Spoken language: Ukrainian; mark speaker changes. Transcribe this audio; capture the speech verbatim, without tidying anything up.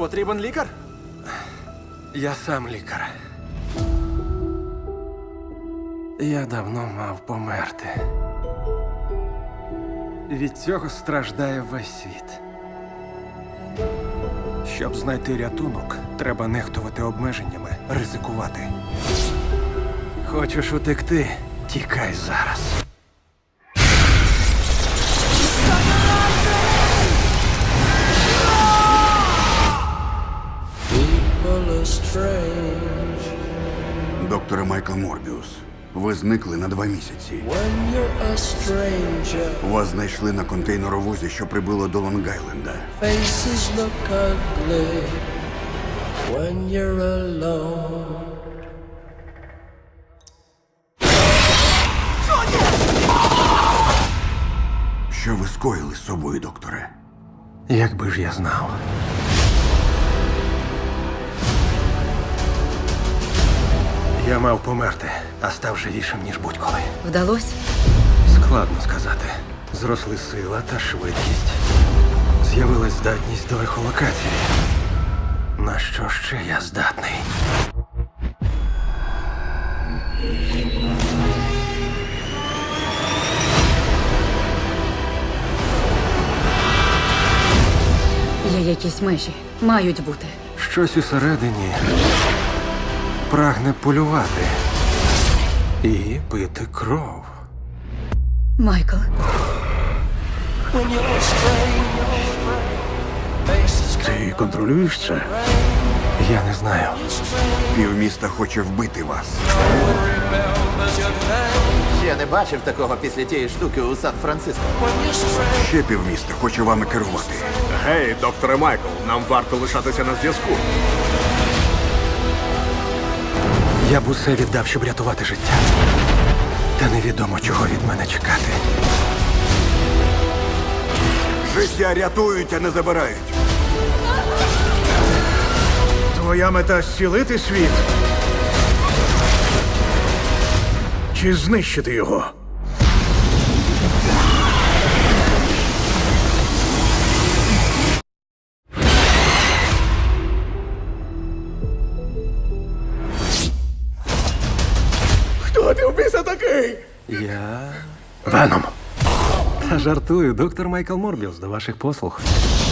Speaker 1: Потрібен лікар?
Speaker 2: Я сам лікар. Я давно мав померти. Від цього страждає весь світ. Щоб знайти рятунок, треба нехтувати обмеженнями, ризикувати. Хочеш утекти? Тікай зараз.
Speaker 3: Докторе Майкл Морбіус, ви зникли на два місяці.
Speaker 4: When you're a stranger,
Speaker 3: Вас знайшли на контейнеровозі, що прибуло до Лонг-Айленда.
Speaker 4: faces look ugly when you're alone.
Speaker 3: Що ви скоїли з собою, докторе?
Speaker 2: Якби ж я знав. Я мав померти, а став живішим, ніж будь-коли.
Speaker 5: Вдалося?
Speaker 2: Складно сказати. Зросли сила та швидкість. З'явилась здатність до ехолокації. На що ще я здатний?
Speaker 5: Є якісь межі. Мають бути.
Speaker 2: Щось усередині прагне полювати і пити кров.
Speaker 5: Майкл,
Speaker 4: When you're a stranger, faces
Speaker 2: Ти контролюєш це? Я не знаю.
Speaker 3: Півміста хоче вбити вас.
Speaker 4: remembers your name.
Speaker 1: Ще не бачив такого після тієї штуки у Сан-Франциско.
Speaker 4: When you're strange,
Speaker 3: Ще півміста хоче вами керувати.
Speaker 6: Гей, докторе Майкл, нам варто лишатися на зв'язку.
Speaker 2: Я б усе віддав, щоб рятувати життя. Та невідомо, чого від мене чекати.
Speaker 3: Життя рятують, а не забирають.
Speaker 6: Твоя мета зцілити світ? Чи знищити його? Хто ти в біса такий?
Speaker 2: Я... Веном. Та жартую, доктор Майкл Морбіус, до ваших послуг.